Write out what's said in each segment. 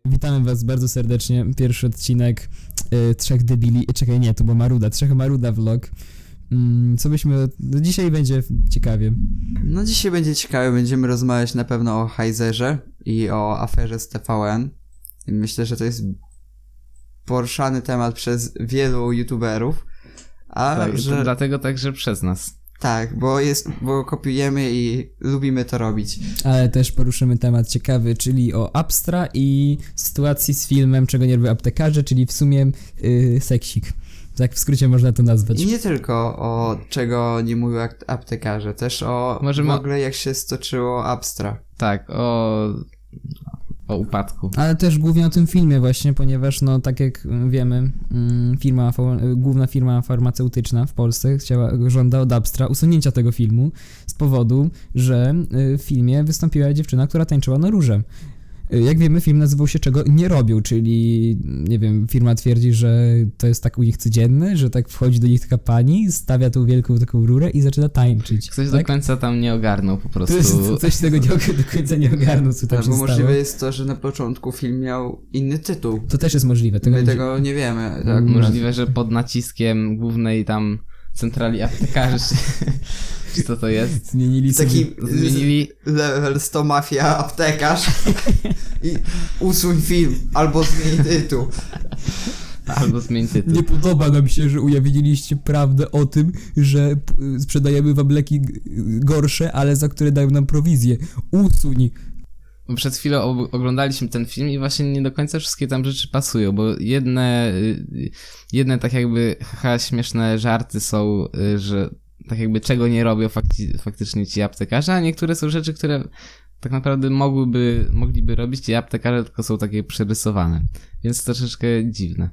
Witamy was bardzo serdecznie. Pierwszy odcinek Trzech Debili. Czekaj, nie, to była Maruda. Trzech Maruda vlog. Co byśmy... No dzisiaj będzie ciekawie. No dzisiaj będzie ciekawe, będziemy rozmawiać na pewno o Heizerze i o aferze z TVN. I myślę, że to jest poruszany temat przez wielu youtuberów. Tak, to dlatego także przez nas. Tak, bo kopiujemy i lubimy to robić. Ale też poruszymy temat ciekawy, czyli o Abstra i sytuacji z filmem Czego nie robią aptekarze, czyli w sumie seksik. Tak w skrócie można to nazwać. I nie tylko o czego nie mówią aptekarze, też o w ogóle jak się stoczyło Abstra. Tak, o upadku. Ale też głównie o tym filmie właśnie, ponieważ no tak jak wiemy, główna firma farmaceutyczna w Polsce żąda od Abstra usunięcia tego filmu z powodu, że w filmie wystąpiła dziewczyna, która tańczyła na róże. Jak wiemy, film nazywał się Czego nie robią, czyli, nie wiem, firma twierdzi, że to jest tak u nich codzienne, że tak wchodzi do nich taka pani, stawia tą wielką taką rurę i zaczyna tańczyć. Ktoś tak? do końca tam nie ogarnął po prostu. Ktoś tego do końca nie ogarnął, co tam się Albo stało. możliwe jest to, że na początku film miał inny tytuł. To też jest możliwe. My tego nie wiemy. Tak, Możliwe, że pod naciskiem głównej tam centrali aptekarzy, czy co to jest? Zmienili Zmienili level 100 mafia aptekarz i usuń film, albo zmień tytuł. albo zmień tytuł. Nie podoba nam się, że ujawniliście prawdę o tym, że sprzedajemy wam leki gorsze, ale za które dają nam prowizję. Usuń. Przed chwilą oglądaliśmy ten film i właśnie nie do końca wszystkie tam rzeczy pasują, bo jedne tak jakby śmieszne żarty są, że tak jakby czego nie robią faktycznie ci aptekarze, a niektóre są rzeczy, które tak naprawdę mogliby robić ci aptekarze, tylko są takie przerysowane, więc troszeczkę dziwne.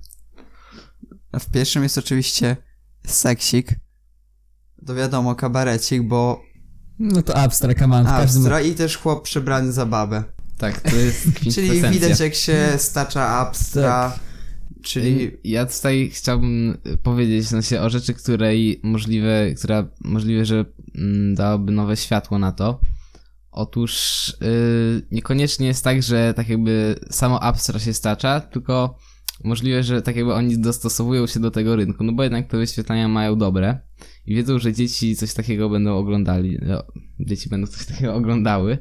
A w pierwszym jest oczywiście seksik. To wiadomo, kabarecik, bo No to Abstra, come on. Abstra i też chłop przebrany za babę. Tak, to jest kwintesencja. Czyli widać jak się stacza Abstra, Tak. czyli... Ja tutaj chciałbym powiedzieć w sensie o rzeczy, która możliwe, że dałaby nowe światło na to. Otóż niekoniecznie jest tak, że tak jakby samo Abstra się stacza, tylko możliwe, że tak jakby oni dostosowują się do tego rynku, no bo jednak te wyświetlania mają dobre i wiedzą, że dzieci coś takiego będą oglądali, dzieci będą coś takiego oglądały,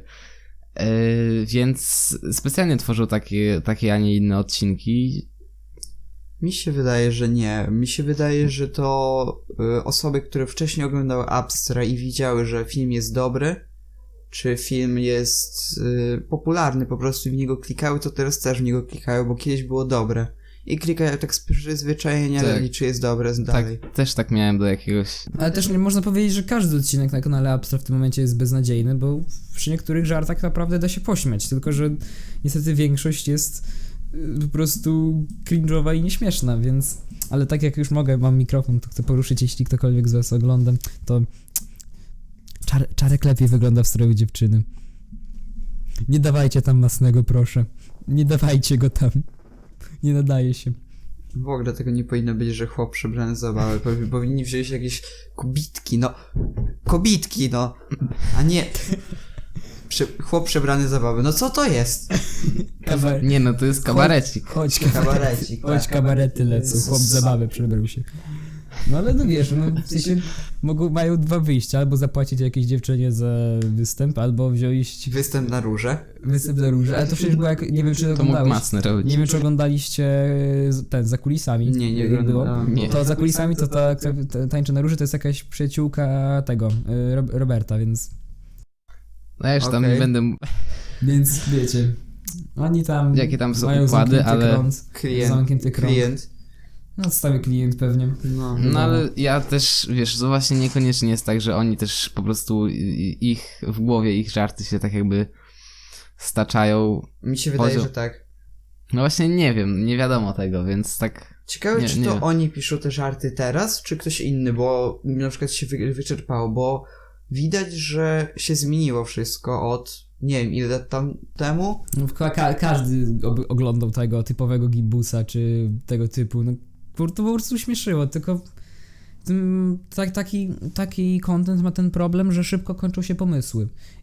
więc specjalnie tworzą takie, a nie inne odcinki. Mi się wydaje, że nie. Mi się wydaje, że to osoby, które wcześniej oglądały Abstra i widziały, że film jest dobry, czy film jest popularny, po prostu w niego klikały, to teraz też w niego klikają, bo kiedyś było dobre. I klikają tak z przyzwyczajenia, Tak. czy jest dobre dalej. Tak, też tak miałem do jakiegoś... Ale też nie można powiedzieć, że każdy odcinek na kanale Abstra w tym momencie jest beznadziejny, bo przy niektórych żartach naprawdę da się pośmiać, tylko że niestety większość jest po prostu cringe'owa i nieśmieszna, więc... Ale tak jak już mam mikrofon, to chcę poruszyć, jeśli ktokolwiek z was ogląda, to... Czarek lepiej wygląda w stroju dziewczyny. Nie dawajcie tam masnego, proszę. Nie dawajcie go tam. Nie nadaje się. W ogóle tego nie powinno być, że chłop przebrany za babę. Powinni wziąć jakieś kobitki, a nie... Chłop przebrany za babę. No co to jest? Nie no, to jest kabarecik. Chodź, Kabarecik. chodź, kabarety lecą. Chłop zabawę przebrał się. No ale no wiesz, no w sensie mają dwa wyjścia, albo zapłacić jakiejś dziewczynie za występ, albo wziąć Występ na róże. występ za róże, ale to przecież było jak, nie wiem czy To mógł oglądałeś, Masny robić. nie wiem czy oglądaliście za kulisami. Nie jak było. oglądałem. Nie. To za kulisami to ta, która tańczy na róży, to jest jakaś przyjaciółka tego, Roberta, więc... No ja już tam Okej. nie będę... Więc wiecie, oni tam Jakie tam są mają układy, zamknięty ale... krąg, zamknięty krąg. Klient. No stały klient pewnie. No ale ja też, wiesz, to właśnie niekoniecznie jest tak, że oni też po prostu w głowie ich żarty się tak jakby staczają. Mi się wydaje, Poziom. że tak. No właśnie nie wiem, nie wiadomo tego, więc tak... Ciekawe, Nie, czy nie to wiem. oni piszą te żarty teraz, czy ktoś inny, bo na przykład się wyczerpało, bo widać, że się zmieniło wszystko od, nie wiem, ile lat temu. No, każdy oglądał tego typowego gimbusa, czy tego typu, no to po prostu śmieszyło, tylko taki content ma ten problem, że szybko kończą się pomysły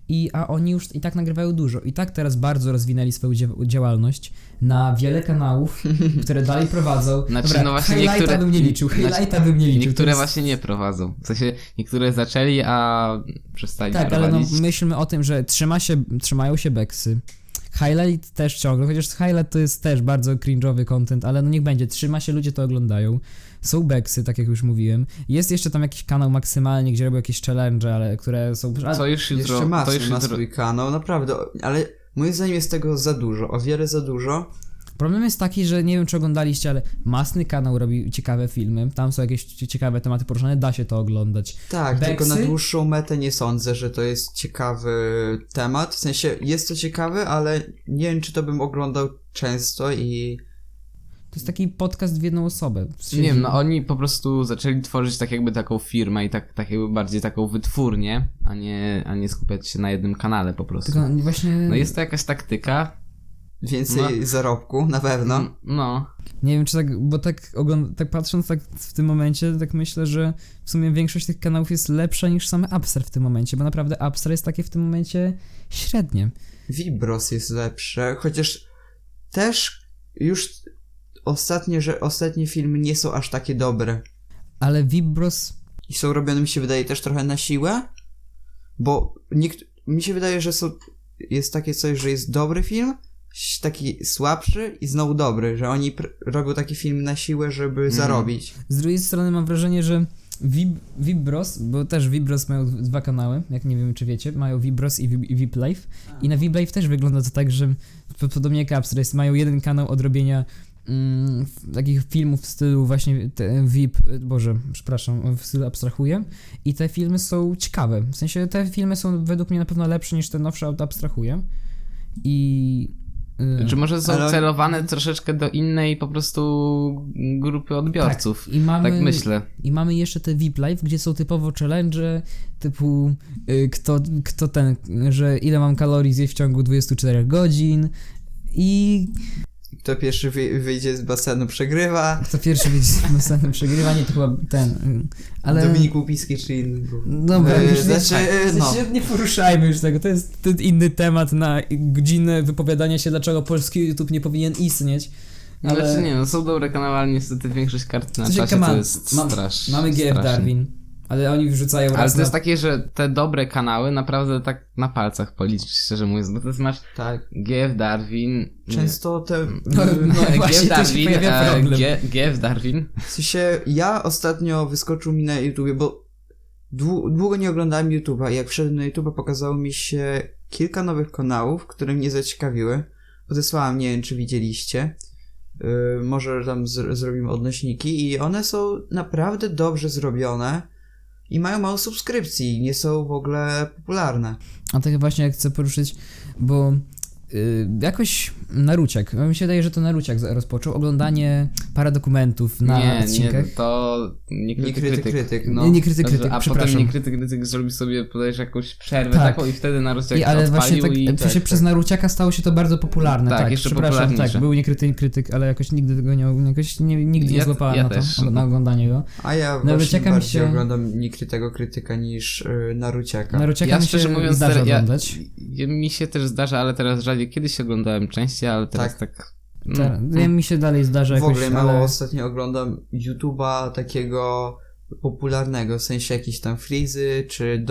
a oni już i tak nagrywają dużo. I tak teraz bardzo rozwinęli swoją działalność na wiele kanałów, które dalej prowadzą. Znaczy, Dobra, no właśnie highlighta niektóre- bym nie liczył, highlighta bym nie liczył. to Niektóre jest- właśnie nie prowadzą. W sensie niektóre zaczęli, a przestali Tak, ale no prowadzić. myślmy o tym, że trzymają się beksy. Highlight też ciągle, chociaż highlight to jest też bardzo cringe'owy content, ale no niech będzie, trzyma się, ludzie to oglądają. Są beksy, tak jak już mówiłem. Jest jeszcze tam jakiś kanał maksymalnie, gdzie robią jakieś challenge, ale które są... To już jutro... Jeszcze to już ma jutro... swój kanał, naprawdę, ale moim zdaniem jest tego za dużo, o wiele za dużo. Problem jest taki, że nie wiem czy oglądaliście, ale Masny kanał robi ciekawe filmy, tam są jakieś ciekawe tematy poruszane, da się to oglądać. Tak, Beksy? tylko na dłuższą metę nie sądzę, że to jest ciekawy temat. W sensie jest to ciekawy, ale nie wiem, czy to bym oglądał często i... To jest taki podcast w jedną osobę. Nie wiem, no oni po prostu zaczęli tworzyć tak jakby taką firmę i tak jakby bardziej taką wytwórnię, a nie skupiać się na jednym kanale po prostu. Tylko właśnie... No jest to jakaś taktyka. Więcej zarobku, na pewno. No. Nie wiem czy tak, bo tak patrząc tak w tym momencie, tak myślę, że w sumie większość tych kanałów jest lepsza niż same Upstar w tym momencie, bo naprawdę Upstar jest takie w tym momencie średnie. Vibros jest lepsze, chociaż też już ostatnie filmy nie są aż takie dobre. Ale Vibros... I są robione, mi się wydaje, też trochę na siłę, bo mi się wydaje, że jest takie coś, że jest dobry film, taki słabszy i znowu dobry, że oni robią taki film na siłę, żeby zarobić. Z drugiej strony mam wrażenie, że Vibros, bo też Vibros mają dwa kanały, jak nie wiem czy wiecie, mają Vibros i VipLife i na VipLife też wygląda to tak, że podobnie jak Upstar mają jeden kanał od robienia takich filmów w stylu właśnie w stylu abstrahuję i te filmy są ciekawe, w sensie te filmy są według mnie na pewno lepsze niż te nowsze od abstrahuję i... Czy może są Ale- celowane troszeczkę do innej po prostu grupy odbiorców? Tak, i mamy, Tak myślę. I mamy jeszcze te VIP Live, gdzie są typowo challenge typu że ile mam kalorii zjeść w ciągu 24 godzin i Kto pierwszy wyjdzie z basenu, przegrywa. kto pierwszy będzie następnym przegrywanie, to chyba ale... Dominik Łupiski czy inny był. Dobra, już no. nie poruszajmy już tego, to jest ten inny temat na godzinę wypowiadania się, dlaczego polski YouTube nie powinien istnieć. Ale znaczy nie, no są dobre kanały, ale niestety większość kart na czasie to jest straszne. Mamy GF Darwin, ale oni wrzucają Ale raz to jest takie, że te dobre kanały naprawdę tak na palcach policzyć, szczerze mówiąc, bo to jest masz Tak. GF Darwin... Często te... właśnie, tu się pojawia problem. GF Darwin. W sensie, ja ostatnio wyskoczył mi na YouTubie, bo długo nie oglądałem YouTube'a i jak wszedłem na YouTube'a pokazało mi się kilka nowych kanałów, które mnie zaciekawiły. Odesłałem, nie wiem czy widzieliście. Może tam zrobimy odnośniki i one są naprawdę dobrze zrobione i mają mało subskrypcji, nie są w ogóle popularne. A tak właśnie jak chcę poruszyć, bo jakoś Naruciak, mi się wydaje, że to Naruciak rozpoczął oglądanie paradokumentów na odcinkach. Nie, to nie krytyk. No. Nie krytyk, A przepraszam. potem nie krytyk zrobił sobie podajesz jakąś przerwę Tak. taką i wtedy Naruciak Ale właśnie odpalił tak, i... w sensie przez Naruciaka stało się to bardzo popularne. Tak, jeszcze przepraszam, popularniejsze. tak, był krytyk, ale jakoś nigdy tego nigdy nie złapałem ja na to, też. na oglądanie go. A ja Naruciaka właśnie mi bardziej się- oglądam niekrytego krytyka niż Naruciaka. Naruciaka Ja mi się szczerze mówiąc, zdarza oglądać. mi się też zdarza, ale teraz rzadziej. Kiedyś oglądałem częściej, ale teraz tak... Mi się dalej zdarza W jakoś, ogóle mało ale... ostatnio oglądam YouTube'a takiego popularnego, w sensie jakieś tam frizy, czy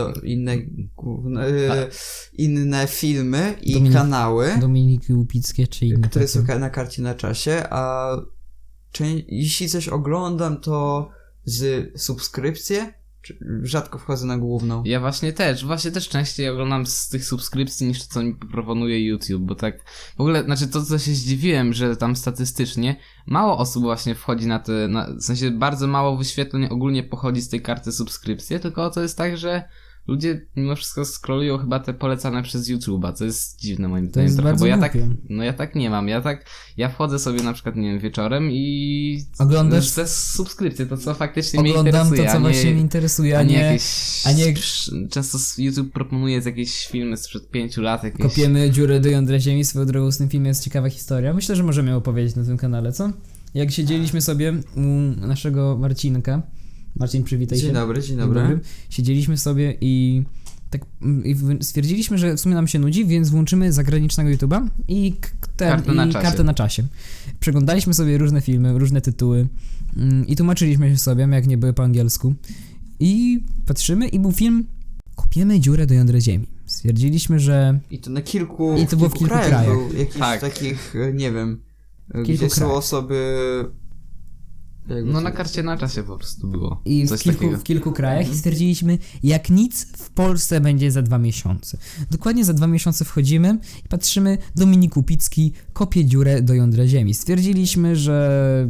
inne filmy i kanały, Dominiki Łupickie czy inne które takie. są na karcie na czasie, a jeśli coś oglądam, to z subskrypcje, rzadko wchodzę na główną. Ja właśnie też częściej oglądam z tych subskrypcji niż to, co mi proponuje YouTube, bo tak w ogóle, znaczy to, co się zdziwiłem, że tam statystycznie mało osób właśnie wchodzi w sensie bardzo mało wyświetleń ogólnie pochodzi z tej karty subskrypcji, tylko to jest tak, że ludzie mimo wszystko scrollują chyba te polecane przez YouTube'a, co jest dziwne moim To zdaniem jest trochę, bardzo bo głupie. ja tak nie mam, ja wchodzę sobie na przykład, nie wiem, wieczorem i Oglądasz- te subskrypcje, to co faktycznie mnie Oglądam interesuje, to, co a nie, właśnie mnie interesuje, a nie a nie jakieś... Często YouTube proponuje jakieś filmy sprzed 5 lat, jakieś... kopiemy dziurę do jądra ziemi. Swoją drogą z tym filmem jest ciekawa historia. Myślę, że możemy ją opowiedzieć na tym kanale, co? Jak siedzieliśmy sobie u naszego Marcinka, Marcin, przywitaj się. Dzień dobry. Siedzieliśmy sobie i tak stwierdziliśmy, że w sumie nam się nudzi, więc włączymy zagranicznego YouTube'a i kartę na czasie. Przeglądaliśmy sobie różne filmy, różne tytuły i tłumaczyliśmy się sobie, jak nie były po angielsku. I patrzymy i był film Kopiemy dziurę do jądra ziemi. Stwierdziliśmy, że... I to na kilku... I to było w kilku krajach. Był jakiś Tak. takich, nie wiem, Kilku gdzie są krajach. osoby... No na karcie na czasie po prostu było. I Coś takiego. w kilku krajach i stwierdziliśmy, jak nic w Polsce będzie za 2 miesiące. Dokładnie za 2 miesiące wchodzimy i patrzymy, Dominik Łupicki kopie dziurę do jądra ziemi. Stwierdziliśmy, że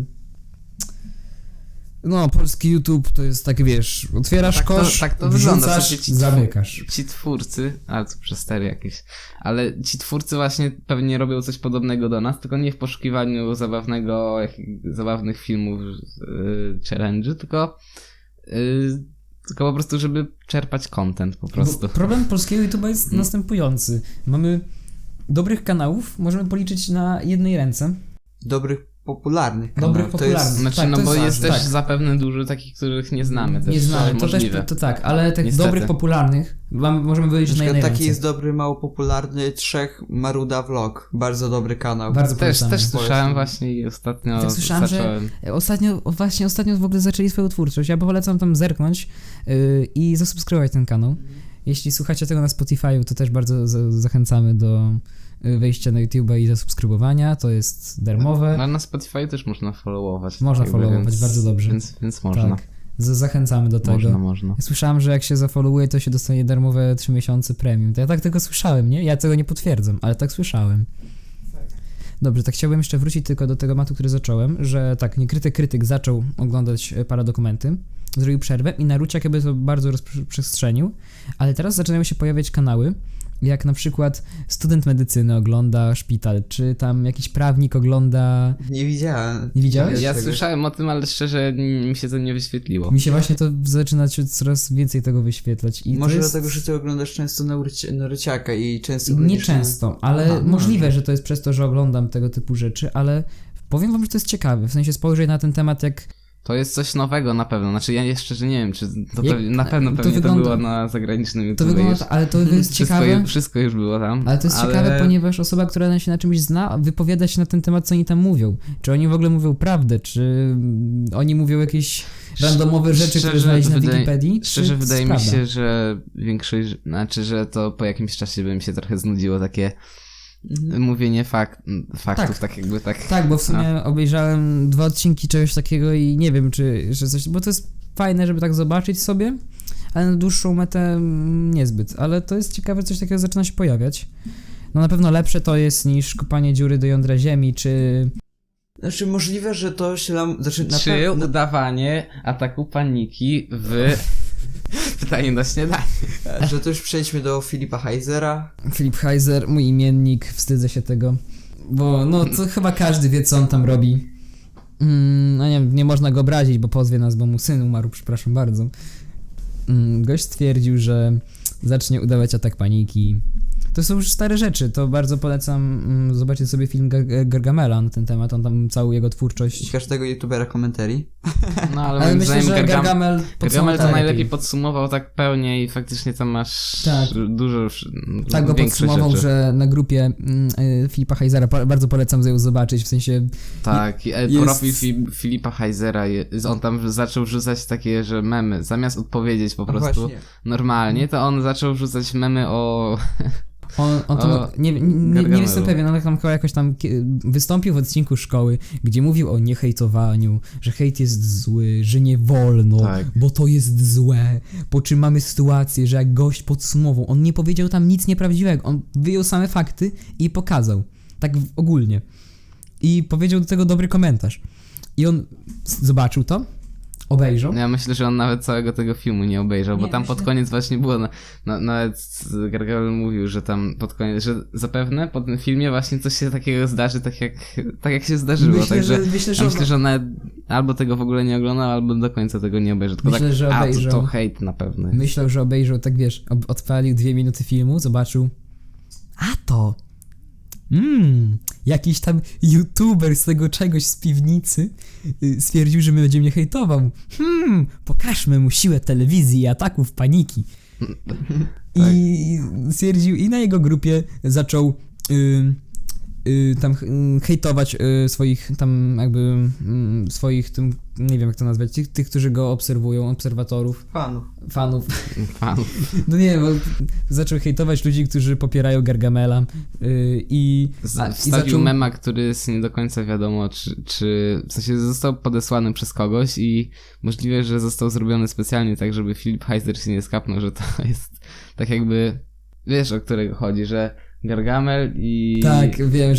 no, polski YouTube to jest tak, wiesz, otwierasz kosz, tak to wygląda. wrzucasz, zamykasz. Ci twórcy, ale to przestery jakieś, ale ci twórcy właśnie pewnie robią coś podobnego do nas, tylko nie w poszukiwaniu zabawnych filmów, challenge'y, tylko po prostu, żeby czerpać content po prostu. Bo problem polskiego YouTube'a jest następujący. Mamy dobrych kanałów, możemy policzyć na jednej ręce. Dobrych, popularnych Dobrych, kanałów. popularnych. Znaczy, Tak, no to bo jest jest ważne, też tak. zapewne dużo takich, których nie znamy. Nie znamy, to możliwe. też, to tak, ale tych Niestety. dobrych, popularnych możemy Na wyliczyć na przykład jednej taki ręce. jest dobry, mało popularny Trzech Maruda Vlog. Bardzo dobry kanał. Bardzo Też polecamy. słyszałem właśnie i ostatnio Tak słyszałem, zacząłem. że ostatnio w ogóle zaczęli swoją twórczość. Ja polecam tam zerknąć i zasubskrybować ten kanał. Jeśli słuchacie tego na Spotify'u, to też bardzo zachęcamy do wejścia na YouTube'a i zasubskrybowania. To jest darmowe. Ale na Spotify też można followować. Można followować, więc, bardzo dobrze. Więc można. Tak. Zachęcamy do tego. Można. Ja słyszałem, że jak się zafollowuje, to się dostanie darmowe 3 miesiące premium. To ja tak tego słyszałem, nie? Ja tego nie potwierdzam, ale tak słyszałem. Dobrze, tak chciałbym jeszcze wrócić tylko do tego tematu, który zacząłem, że tak, niekryty krytyk zaczął oglądać paradokumenty, zrobił przerwę i Naruciak jakby to bardzo rozprzestrzenił, ale teraz zaczynają się pojawiać kanały, jak na przykład student medycyny ogląda szpital, czy tam jakiś prawnik ogląda... Nie widziałem. Nie widziałeś? Ja Tego. słyszałem o tym, ale szczerze mi się to nie wyświetliło. Mi się właśnie to zaczyna się coraz więcej tego wyświetlać. I Może to jest... dlatego, że ty oglądasz często Naruciaka i często... Nie często, ale Aha, możliwe, że to jest przez to, że oglądam tego typu rzeczy, ale powiem wam, że to jest ciekawe, w sensie spojrzeć na ten temat jak... To jest coś nowego na pewno. Znaczy ja jeszcze nie wiem, czy to na pewno to pewnie to wygląda- było na zagranicznym To YouTube. wygląda, ale to jest ciekawe... Wszystko już było tam. Ale to jest ciekawe, ponieważ osoba, która się na czymś zna, wypowiada się na ten temat, co oni tam mówią. Czy oni w ogóle mówią prawdę, czy oni mówią jakieś randomowe rzeczy, które znaleźli na Wikipedii? Szczerze czy wydaje mi prawda? się, że większość, znaczy, że to po jakimś czasie by mi się trochę znudziło takie mówienie faktów, tak jakby tak. Tak, bo w sumie obejrzałem 2 odcinki czegoś takiego i nie wiem, że coś, bo to jest fajne, żeby tak zobaczyć sobie, ale na dłuższą metę niezbyt. Ale to jest ciekawe, coś takiego zaczyna się pojawiać. No na pewno lepsze to jest niż kopanie dziury do jądra ziemi, czy... Znaczy możliwe, że to się nam... Znaczy, na Czy pewno... udawanie ataku paniki w pytanie na śniadanie. Że to już przejdźmy do Filipa Heisera. Filip Heiser, mój imiennik, wstydzę się tego, bo no to chyba każdy wie, co on tam robi. No nie wiem, nie można go obrazić, bo pozwie nas, bo mu syn umarł, przepraszam bardzo. Gość stwierdził, że zacznie udawać atak paniki. To są już stare rzeczy, to bardzo polecam zobaczyć sobie film Gargamela na ten temat, on tam całą jego I twórczość... każdego youtubera komentarii. No ale, Ale moim myślę, zdaniem że Gargamel Gargamel to najlepiej lepiej. podsumował tak pełnie i faktycznie tam masz Tak. dużo Tak go większe podsumował, rzeczy. że na grupie Filipa Heisera bardzo polecam ją zobaczyć, w sensie... Tak, jest- profil Filipa Heisera, on tam zaczął wrzucać takie, że memy, zamiast odpowiedzieć po No prostu właśnie. normalnie, to on zaczął wrzucać memy o... On tam, O nie Gargamelu. jestem pewien, ale tam chyba jakoś tam wystąpił w odcinku szkoły, gdzie mówił o niehejtowaniu, że hejt jest zły, że nie wolno, Tak. bo to jest złe, po czym mamy sytuację, że jak gość podsumował, on nie powiedział tam nic nieprawdziwego, on wyjął same fakty i pokazał, tak ogólnie. I powiedział do tego dobry komentarz. I on zobaczył to, obejrzał. Ja myślę, że on nawet całego tego filmu nie obejrzał, bo Nie, tam myślę- pod koniec właśnie było, nawet Gargamel mówił, że tam pod koniec, że zapewne po tym filmie właśnie coś się takiego zdarzy, tak jak się zdarzyło, także myślę, że on nawet albo tego w ogóle nie oglądał, albo do końca tego nie obejrzy, tylko Myślę, tak, że obejrzał. to hejt na pewno. Myślał, że obejrzał, tak wiesz, odpalił 2 minuty filmu, zobaczył. A to! Jakiś tam youtuber z tego czegoś z piwnicy stwierdził, że my będziemy mnie hejtował. Pokażmy mu siłę telewizji i ataków paniki. I stwierdził, i na jego grupie zaczął tam hejtować swoich tam jakby swoich tym, nie wiem jak to nazwać, tych, którzy go obserwują, obserwatorów, fanów. No nie, bo zaczął hejtować ludzi, którzy popierają Gargamela i Wstawił mema, który jest nie do końca wiadomo, czy w sensie został podesłany przez kogoś i możliwe, że został zrobiony specjalnie tak, żeby Filip Heiser się nie skapnął, że to jest tak jakby, wiesz o którego chodzi, że Gargamel i... Tak, wiem,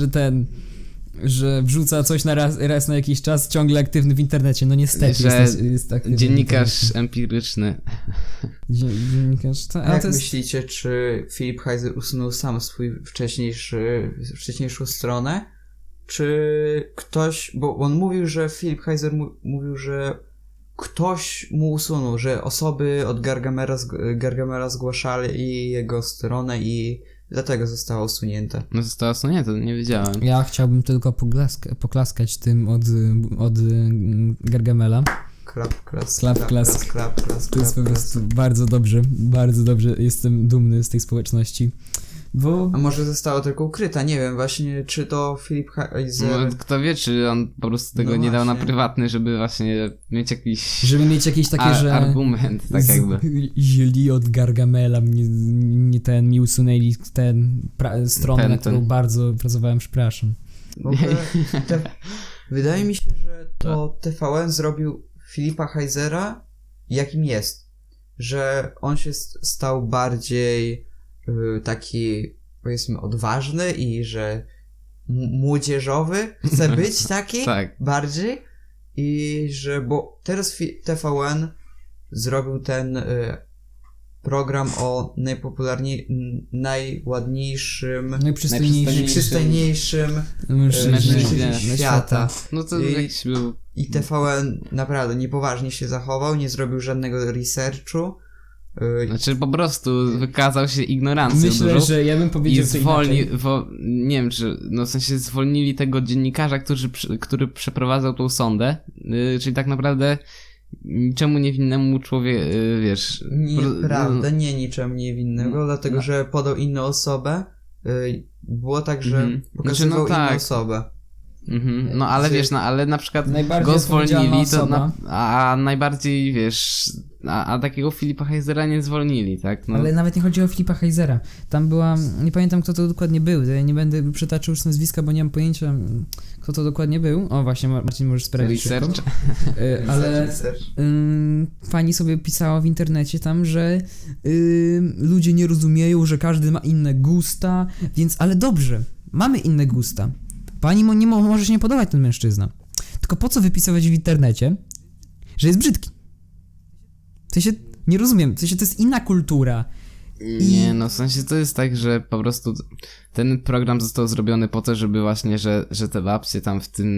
że wrzuca coś raz na jakiś czas, ciągle aktywny w internecie. No niestety że jest aktywny dziennikarz empiryczny. Dziennikarz, A jak myślicie, czy Filip Heiser usunął sam swój wcześniejszą stronę? Czy ktoś, bo on mówił, że Filip Heiser mówił, że ktoś mu usunął, że osoby od Gargamela zgłaszali jego stronę i dlatego została usunięta. No została usunięta, to nie wiedziałem. Ja chciałbym tylko poklaskać tym od Gargamela. Klap. To jest po prostu bardzo dobrze, jestem dumny z tej społeczności. Bo... A może została tylko ukryta, nie wiem właśnie, czy to Filip Heiser... No, kto wie, czy on po prostu tego nie dał na prywatny, żeby właśnie mieć jakiś... Żeby mieć jakieś takie, że... argument, tak jakby. Źli od Gargamela, mi usunęli stronę, na którą bardzo pracowałem, przepraszam. W ogóle wydaje mi się, że to TVN zrobił Filipa Heisera jakim jest. Że on się stał bardziej taki, powiedzmy, odważny i że młodzieżowy chce być taki tak. bardziej i że, bo teraz TVN zrobił ten program o najładniejszym, najprzystojniejszym mężczyźnie świata. No to jakiś był... I TVN naprawdę niepoważnie się zachował, nie zrobił żadnego researchu. Znaczy po prostu wykazał się ignorancją Myślę, dużą że ja bym powiedział nie wiem, czy no w sensie zwolnili tego dziennikarza, który przeprowadzał tą sondę, czyli tak naprawdę niczemu niewinnemu człowiek, wiesz... Nieprawda, nie niczemu niewinnego, dlatego że podał inną osobę. Było tak, że pokazywał inną osobę. No ale wiesz, ale na przykład go zwolnili, a najbardziej, wiesz, a takiego Filipa Heisera nie zwolnili, tak? No. Ale nawet nie chodzi o Filipa Heisera. Tam była, nie pamiętam kto to dokładnie był, ja nie będę przytaczał już nazwiska, bo nie mam pojęcia kto to dokładnie był. O właśnie, Marcin możesz sprawdzić szybko. Ale pani sobie pisała w internecie tam, że ludzie nie rozumieją, że każdy ma inne gusta, więc, ale dobrze, mamy inne gusta. Pani może się nie podobać ten mężczyzna. Tylko po co wypisywać w internecie, że jest brzydki? W sensie, nie rozumiem, w sensie to jest inna kultura. Nie, no w sensie to jest tak, że po prostu ten program został zrobiony po to, żeby właśnie, że te babcie tam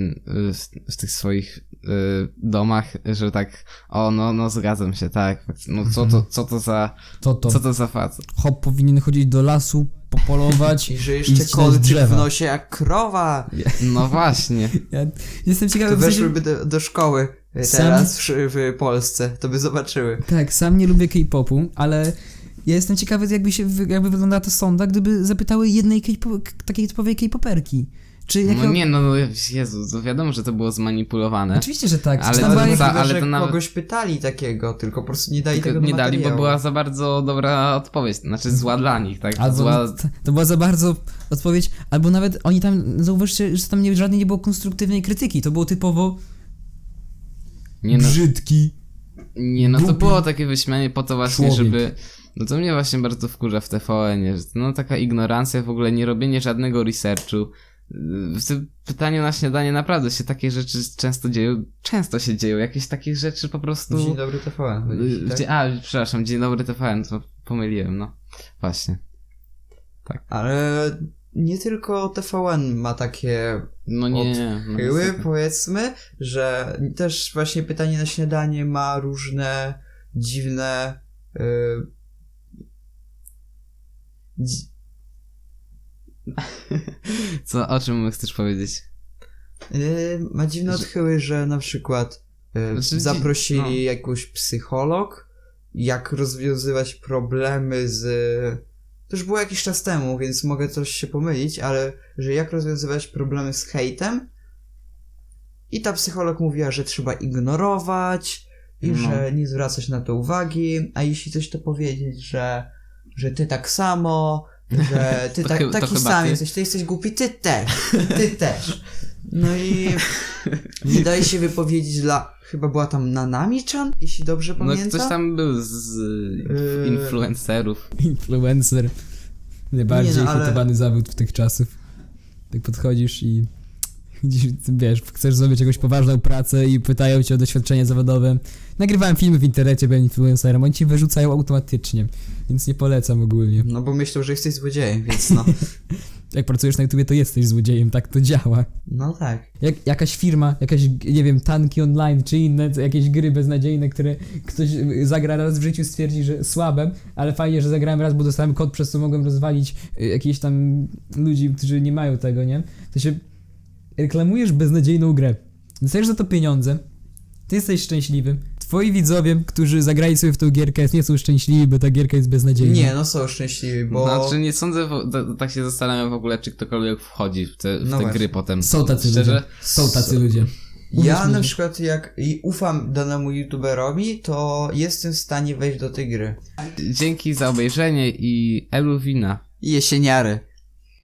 w tych swoich domach, że tak, no zgadzam się, tak, no co to za facet? Hop powinien chodzić do lasu, popolować i że jeszcze kolczyk w nosie jak krowa. No właśnie. Ja jestem ciekawy, to weszłyby do szkoły teraz w Polsce, to by zobaczyły. Tak, sam nie lubię K-popu, ale ja jestem ciekawy, jakby wyglądała ta sonda, gdyby zapytały jednej takiej typowej K-poperki. No Jezu, to wiadomo, że to było zmanipulowane. Oczywiście, że tak. Ale to nawet... kogoś pytali takiego, tylko po prostu nie dali tego do materiału. Nie dali, bo była za bardzo dobra odpowiedź, znaczy zła dla nich, tak? To była za bardzo odpowiedź, albo nawet oni tam, zauważcie, że tam żadnej nie było konstruktywnej krytyki, to było typowo brzydki. To było takie wyśmianie po to właśnie, żeby... No to mnie właśnie bardzo wkurza w TVN-ie, że taka ignorancja, w ogóle nie robienie żadnego researchu. W tym pytaniu na śniadanie naprawdę się takie rzeczy często się dzieją, jakieś takie rzeczy po prostu... Dzień dobry TVN. Przepraszam, Dzień dobry TVN, to pomyliłem, no. Właśnie. Tak. Ale nie tylko TVN ma takie odchyły, powiedzmy, że też właśnie pytanie na śniadanie ma różne dziwne... O czym chcesz powiedzieć? Ma dziwne odchyły, że na przykład zaprosili jakąś psycholog jak rozwiązywać problemy z... To już było jakiś czas temu, więc mogę coś się pomylić, ale że jak rozwiązywać problemy z hejtem i ta psycholog mówiła, że trzeba ignorować i że nie zwracać na to uwagi, a jeśli coś to powiedzieć, że ty tak samo, że ty taki sam jesteś, ty jesteś głupi, ty też. No i nie daje się wypowiedzieć chyba była tam Nanami-chan, jeśli dobrze pamiętam. No ktoś tam był z influencerów. Influencer. Najbardziej hejtowany zawód w tych czasów. Tak podchodzisz i wiesz, chcesz zrobić jakąś poważną pracę i pytają cię o doświadczenie zawodowe. Nagrywałem filmy w internecie, byłem influencerem, oni ci wyrzucają automatycznie, więc nie polecam ogólnie. No bo myślą, że jesteś złodziejem, więc no. Jak pracujesz na YouTubie, to jesteś złodziejem, tak to działa. No tak. Jakaś firma, nie wiem, Tanki Online, czy inne jakieś gry beznadziejne, które ktoś zagra raz w życiu, stwierdzi, że słabe, ale fajnie, że zagrałem raz, bo dostałem kod, przez co mogłem rozwalić jakieś tam ludzi, którzy nie mają tego, nie? To się reklamujesz beznadziejną grę. Dostajesz za to pieniądze, ty jesteś szczęśliwy. Twoi widzowie, którzy zagrali sobie w tą gierkę, nie są szczęśliwi, bo ta gierka jest beznadziejna. Nie, no są szczęśliwi, bo... Znaczy nie sądzę, tak się zastanawiam w ogóle, czy ktokolwiek wchodzi w te gry potem. Są tacy Szczerze? ludzie. Są tacy ludzie. Ja na przykład jak ufam danemu youtuberowi, to jestem w stanie wejść do tej gry. Dzięki za obejrzenie i Eluwina. Jesieniary.